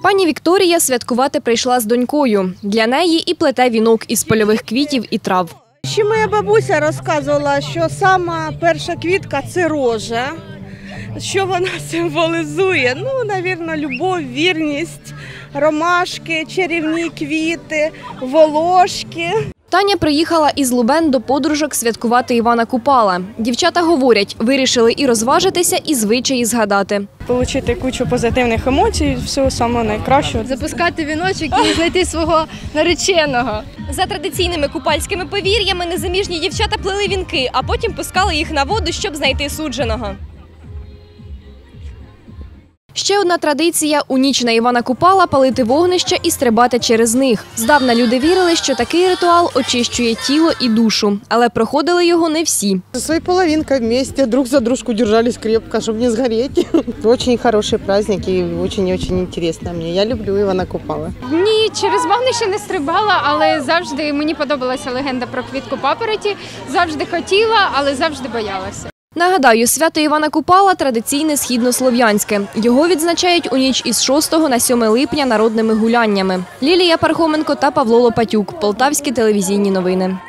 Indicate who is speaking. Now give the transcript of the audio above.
Speaker 1: Пані Вікторія святкувати прийшла з донькою. Для неї і плете вінок із польових квітів і трав.
Speaker 2: Ще моя бабуся розказувала, що сама перша квітка – це рожа. Що вона символізує? Ну, мабуть, любов, вірність, ромашки, чарівні квіти, волошки.
Speaker 1: Таня приїхала із Лубен до подружок святкувати Івана Купала. Дівчата говорять, вирішили і розважитися, і звичаї згадати.
Speaker 3: Отримати кучу позитивних емоцій, всього самого найкращого.
Speaker 4: Запускати віночок і знайти свого нареченого.
Speaker 5: За традиційними купальськими повір'ями незаміжні дівчата плели вінки, а потім пускали їх на воду, щоб знайти судженого.
Speaker 1: Ще одна традиція – у ніч на Івана Купала палити вогнища і стрибати через них. Здавна люди вірили, що такий ритуал очищує тіло і душу. Але проходили його не всі.
Speaker 6: Со своей половинкой вместе друг за дружку держались крепко, чтобы не сгореть. Очень хороший праздник и очень-очень интересно мне. Я люблю Івана Купала.
Speaker 4: Ні, через вогнище не стрибала, але завжди мені подобалася легенда про квітку папороті. Завжди хотіла, але завжди боялася.
Speaker 1: Нагадаю, свято Івана Купала – традиційне східнослов'янське. Його відзначають у ніч із 6 на 7 липня народними гуляннями. Лілія Пархоменко та Павло Лопатюк. Полтавські телевізійні новини.